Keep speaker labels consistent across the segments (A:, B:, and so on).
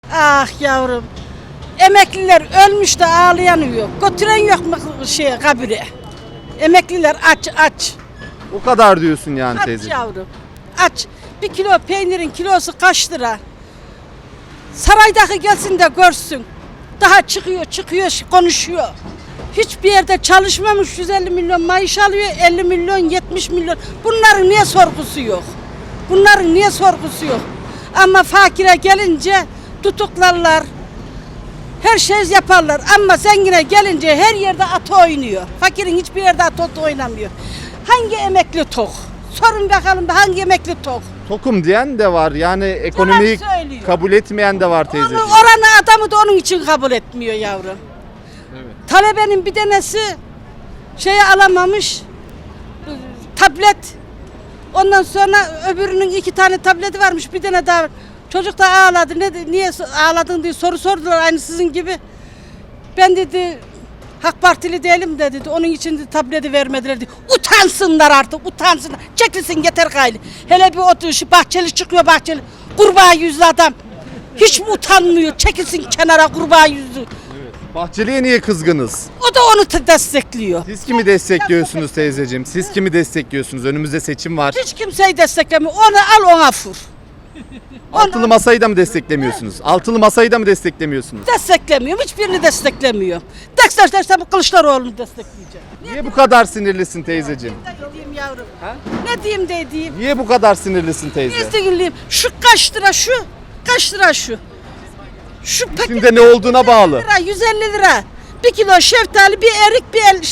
A: Ah yavrum. Emekliler ölmüş de ağlayan yok. Götüren yok mu kabire? Emekliler aç.
B: O kadar diyorsun yani
A: Aç
B: teyze.
A: yavrum. Aç. Bir kilo peynirin kilosu kaç lira? Saraydaki gelsin de görsün. Daha çıkıyor konuşuyor. Hiçbir yerde çalışmamış 150 milyon maaş alıyor, 50 milyon 70 milyon. Bunların niye sorgusu yok? Bunların niye sorgusu yok? Ama fakire gelince tutuklarlar. Her şey yaparlar ama zengine gelince her yerde at oynuyor. Fakirin hiçbir yerde at oynamıyor. Hangi emekli tok? Sorun bakalım da hangi emekli tok?
B: Tokum diyen de var yani ekonomiyi
A: söylüyor.
B: kabul etmeyen de var teyze.
A: Oranı adamı da onun için kabul etmiyor yavrum.
B: Evet.
A: Talebenin bir tanesi alamamış tablet. Ondan sonra öbürünün 2 tane tableti varmış, bir tane daha. Çocuk da ağladı. Niye ağladın diye soru sordular aynı sizin gibi. Ben dedi AK Partili değilim de dedi. Onun için de tableti vermediler dedi. Utansınlar artık, utansınlar. Çekilsin yeter gayri. Hele bir otur şu Bahçeli çıkıyor Bahçeli. Kurbağa yüzlü adam. Hiç mi utanmıyor? Çekilsin kenara kurbağa yüzlü.
B: Bahçeli'ye niye kızgınız?
A: O da onu destekliyor.
B: Siz kimi destekliyorsunuz teyzeciğim? Siz kimi destekliyorsunuz? Önümüzde seçim var.
A: Hiç kimseyi desteklemiyor. Onu al ona vur.
B: Altılı masayı da mı desteklemiyorsunuz? Altılı masayı da mı desteklemiyorsunuz?
A: Desteklemiyorum. Hiçbirini desteklemiyor. Desteklersem Kılıçdaroğlu'nu destekleyeceğim.
B: Niye bu kadar sinirlisin teyzeciğim?
A: Ne diyeyim yavrum? Ne diyeyim de diyeyim?
B: Niye bu kadar sinirlisin teyze?
A: İzleyeyim. Şu kaç lira şu? Kaç lira şu? Şu paket
B: İçinde ne olduğuna bağlı.
A: 150 lira. 1 kilo şeftali, bir erik, bir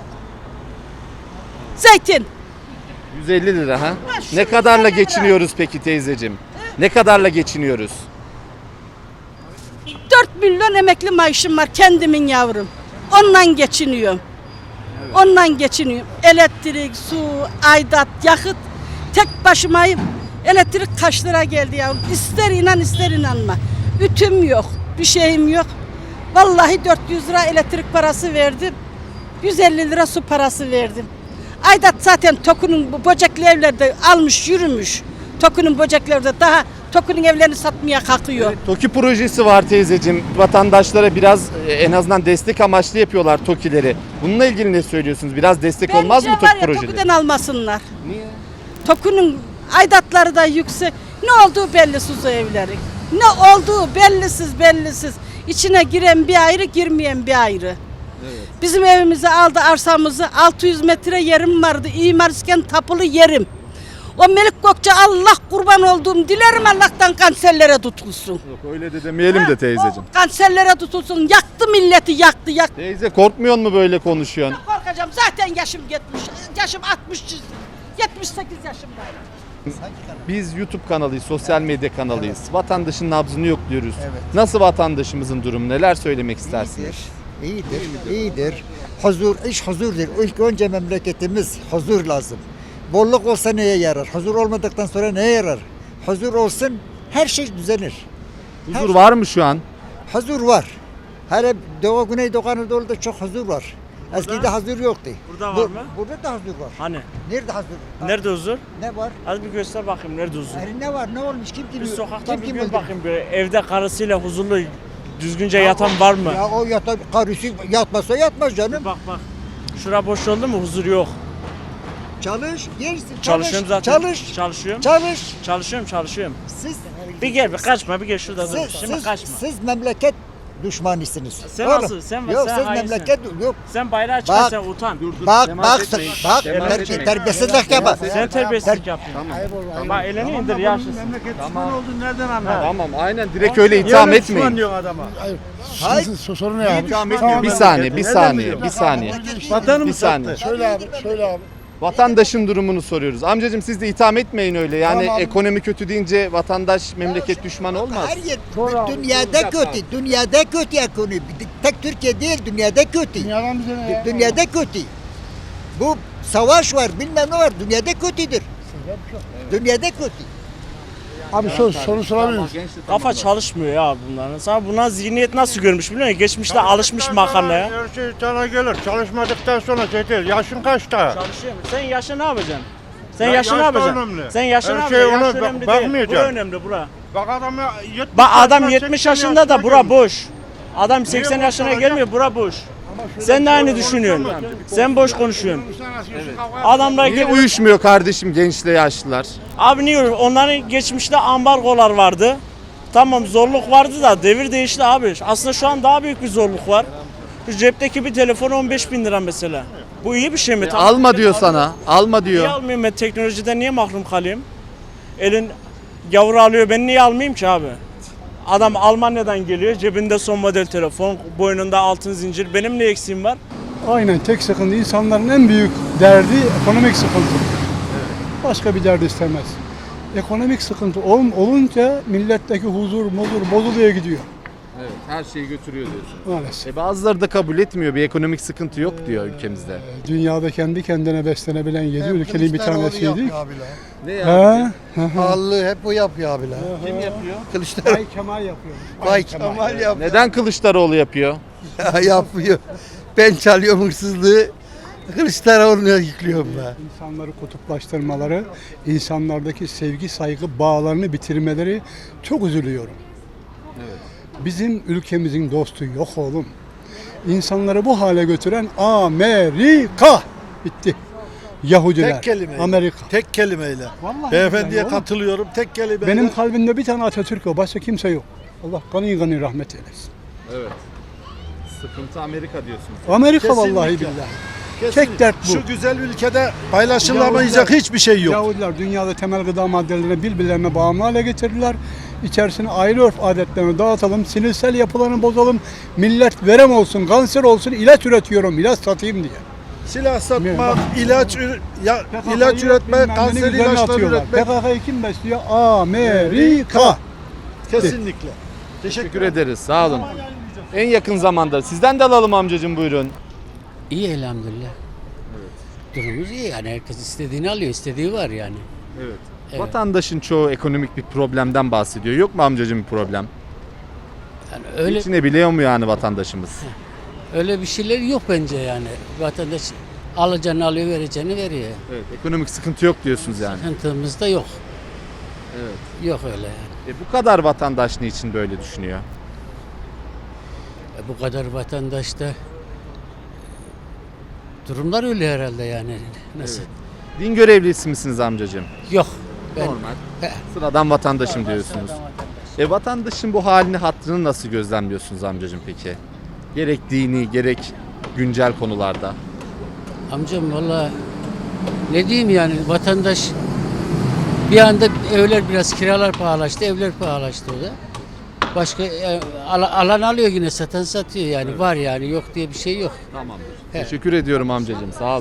A: zeytin.
B: 150 lira ha?
A: Ha, şu
B: Ne kadarla
A: 150 lira.
B: geçiniyoruz peki teyzeciğim? Ne kadarla geçiniyoruz?
A: 4 milyon emekli maaşım var kendimin yavrum. Ondan geçiniyorum. Ondan geçiniyorum. Elektrik, su, aidat, yakıt. Tek başımayım. Elektrik kaç lira geldi yavrum? İster inan ister inanma. Ütüm yok, bir şeyim yok. Vallahi 400 lira elektrik parası verdim. 150 lira su parası verdim. Aidat zaten TOKİ'nin bu böcekli evlerde almış yürümüş. TOKİ'nin böceklerde daha TOKİ'nin evlerini satmaya kalkıyor.
B: TOKİ projesi var teyzeciğim. Vatandaşlara biraz en azından destek amaçlı yapıyorlar TOKİ'leri. Bununla ilgili ne söylüyorsunuz? Biraz destek olmaz mı
A: Bence var
B: TOKİ
A: ya,
B: projeleri?
A: TOKİ'den almasınlar.
B: Niye?
A: TOKİ'nin aidatları da yüksek. Ne olduğu bellisiz o evlerin. Ne olduğu bellisiz. İçine giren bir ayrı, girmeyen bir ayrı.
B: Evet.
A: Bizim evimizi aldı, arsamızı. 600 metre yerim vardı. İmarsken tapulu yerim. O Melik Gökçe Allah kurban olduğum dilerim Allah'tan kanserlere tutulsun.
B: Yok öyle de demeyelim de teyzeciğim.
A: O kanserlere tutulsun. Yaktı milleti, yaktı.
B: Teyze korkmuyor mu böyle konuşuyorsun?
A: Korkacağım, zaten yaşım 70. Yaşım 60. 78 yaşındayım.
B: Biz YouTube kanalıyız, sosyal medya kanalıyız. Vatandaşın nabzını yokluyoruz. Nasıl vatandaşımızın durumu? Neler söylemek istersiniz?
C: İyidir. Huzur, iş huzurdur. İlk önce memleketimiz huzur lazım. Bolluk olsa neye yarar? Huzur olmadıktan sonra neye yarar? Huzur olsun, her şey düzenir.
B: Huzur var mı şu an?
C: Huzur var. Hele Doğu, Güneydoğu Anadolu'da çok huzur var. Eskiden huzur yoktu.
D: Burada var mı?
C: Burada da huzur var.
D: Hani?
C: Nerede huzur?
D: Nerede huzur?
C: Ne var?
D: Az bir göster bakayım nerede huzur?
C: Ne var? Ne olmuş? Kim
D: Bir
C: biliyor?
D: sokakta bir
C: kim
D: gör
C: öldürdü?
D: bakayım böyle evde karısıyla huzurlu düzgünce yatan var mı?
C: Ya o karısı yatmasa yatmaz canım.
D: Bak. Şura boş oldu mu huzur yok.
C: Çalış, yersin.
D: Çalışıyorum zaten.
C: Çalış.
D: Çalışıyorum. Çalışıyorum.
C: Siz
D: Bir gel bir kaçma bir gel şurada dur. Şimdi kaçma.
C: siz memleket düşmanısınız.
D: Sen
C: Oğlum,
D: nasıl? Sen
C: yok,
D: sen
C: siz
D: hainsin.
C: memleket yok.
D: Sen bayrağı çıkar
C: Bak.
D: sen utan.
C: Bak
D: Temas etmeyin.
C: terbiyesizlik yapma.
D: Sen terbiyesizlik yapıyorsun. Bak elini indir yaşlısın.
E: Düşman olduğunu nereden anladın?
B: Tamam aynen direkt öyle itham etmeyin.
E: diyorsun adama?
C: Hayır.
E: Sorun ne abi?
B: Bir saniye. Bir
E: Vatanımı
B: saniye.
E: sattı. Söyle abi.
B: Vatandaşın durumunu soruyoruz. Amcacığım siz de itham etmeyin öyle. Yani
E: Tamam.
B: ekonomi kötü deyince vatandaş memleket düşmanı olmaz.
C: Her yer dünyada kötü. Dünyada kötü ekonomi. Tek Türkiye değil, dünyada kötü.
E: Dünyadan bize ne ya?
C: Dünyada kötü. Bu savaş var, bilmem ne var. Dünyada kötüdür. Dünyada kötü.
E: Abi soru sorabilir misin?
D: Kafa çalışmıyor ya bunların. Sana buna zihniyet nasıl görmüş biliyor musun? Geçmişte alışmış makarnaya.
E: Her şey sana gelir. Çalışmadıktan sonra yeter. Yaşın kaçta?
D: Çalışıyorum. Sen yaşa ne yapacaksın? Sen
F: Ya
D: yaşın ne
F: yaş da
D: yapacaksın?
F: önemli.
D: Sen yaşın
F: Her
D: ne
F: şey
D: yapacaksın?
F: ona
D: Yaş önemli değil.
F: bakmayacaksın.
D: Bura önemli bura.
F: Bak adam 70
D: Bak adam
F: yaşına,
D: 70
F: 80
D: yaşında da bura
F: gelmiş.
D: boş. Adam 80
F: boş
D: yaşına
F: olacak?
D: gelmiyor, bura boş. Sen de aynı düşünüyorsun. Sen boş konuşuyorsun.
F: Evet.
D: Adamlar
B: Niye
D: geliyor.
B: uyuşmuyor kardeşim gençle yaşlılar?
D: Abi niye öyle? Onların geçmişte ambargolar vardı. Tamam zorluk vardı da devir değişti abi. Aslında şu an daha büyük bir zorluk var. Şu cepteki bir telefon 15 bin lira mesela. Bu iyi bir şey mi? Tamam.
B: Alma diyor sana. Alma
D: Niye
B: diyor.
D: almayayım ben teknolojiden niye mahrum kalayım? Elin gavuru alıyor ben niye almayayım ki abi? Adam Almanya'dan geliyor cebinde son model telefon boynunda altın zincir benim ne eksiğim var?
G: Aynen tek sıkıntı insanların en büyük derdi ekonomik sıkıntı. Başka bir derdi istemez. Ekonomik sıkıntı olunca milletteki huzur bozuluyor gidiyor
B: Evet, her şeyi götürüyor diyorsun.
G: maalesef.
B: Bazıları da kabul etmiyor. Bir ekonomik sıkıntı yok diyor ülkemizde.
G: Dünyada kendi kendine beslenebilen 7 ülkenin bir tanesiydik.
B: Ne
G: Ha?
E: Pahalılığı hep o yapıyor abiler.
B: Kim yapıyor?
E: Kılıçdaroğlu.
G: Bay Kemal yapıyor.
E: Vay Kemal yapıyor.
B: Neden Kılıçdaroğlu yapıyor?
E: yapıyor. Ben çalıyorum hırsızlığı. Kılıçdaroğlu'na yüklüyorum ben.
G: İnsanları kutuplaştırmaları, insanlardaki sevgi saygı bağlarını bitirmeleri çok üzülüyorum. Bizim ülkemizin dostu yok oğlum. İnsanları bu hale götüren Amerika. Bitti. Yahudiler,
H: Tek kelimeyle.
G: Amerika.
H: Tek kelimeyle.
G: Vallahi
H: Beyefendiye
G: billahi oğlum.
H: katılıyorum. Tek kelimeyle.
G: Benim kalbimde bir tane Atatürk o. Başka kimse yok. Allah kanı rahmet eylesin.
B: Evet. Sıkıntı Amerika diyorsunuz.
G: Amerika
H: Kesinlikle.
G: vallahi billahi.
H: Kesinlikle.
G: tek dert bu.
H: Şu güzel ülkede paylaşılamayacak
G: Yahudiler-
H: hiçbir şey yok.
G: Yahudiler dünyada temel gıda maddelerini birbirlerine bağımlı hale getirdiler. İçerisine aile örf adetlerini dağıtalım, sinirsel yapılarını bozalım. Millet verem olsun, kanser olsun, ilaç üretiyorum, ilaç satayım diye.
H: Silah satmak,
G: Bak-
H: ilaç
G: PKK'yı
H: üretmek,
G: bilmem
H: kanser
G: nenin üzerine
H: ilaçları
G: atıyorlar.
H: üretmek.
G: PKK'yı kim besliyor? Amerika.
H: Kesinlikle.
B: Teşekkür ederiz. Sağ olun. En yakın zamanda sizden de alalım amcacığım buyurun.
I: İyi elhamdülillah. Durumumuz iyi yani herkes istediğini alıyor, istediği var yani.
B: Evet.
I: Evet.
B: Vatandaşın çoğu ekonomik bir problemden bahsediyor. Yok mu amcacığım bir problem?
I: Yani öyle
B: Geçinebiliyor mu yani vatandaşımız?
I: öyle bir şeyler yok bence yani. Vatandaş alacağını alıyor, vereceğini veriyor.
B: Evet. Ekonomik sıkıntı yok diyorsunuz yani.
I: Sıkıntımız da yok.
B: Evet.
I: Yok öyle yani.
B: Bu kadar vatandaş niçin böyle düşünüyor?
I: Bu kadar vatandaşta durumlar öyle herhalde yani. Nasıl?
B: Din görevlisi misiniz amcacığım?
I: Yok. Ben,
B: Normal.
I: He.
B: Sıradan vatandaşım diyorsunuz. Vatandaşın bu halini hattını nasıl gözlemliyorsunuz amcacığım peki? Gerek dini gerek güncel konularda.
I: Amcam valla ne diyeyim yani vatandaş bir anda evler biraz kiralar pahalaştı, evler pahalaştı o da. Başka alan alıyor yine satan satıyor yani var yani yok diye bir şey yok.
B: Tamamdır.
I: Evet.
B: Teşekkür ediyorum amcacığım. Sağ olun.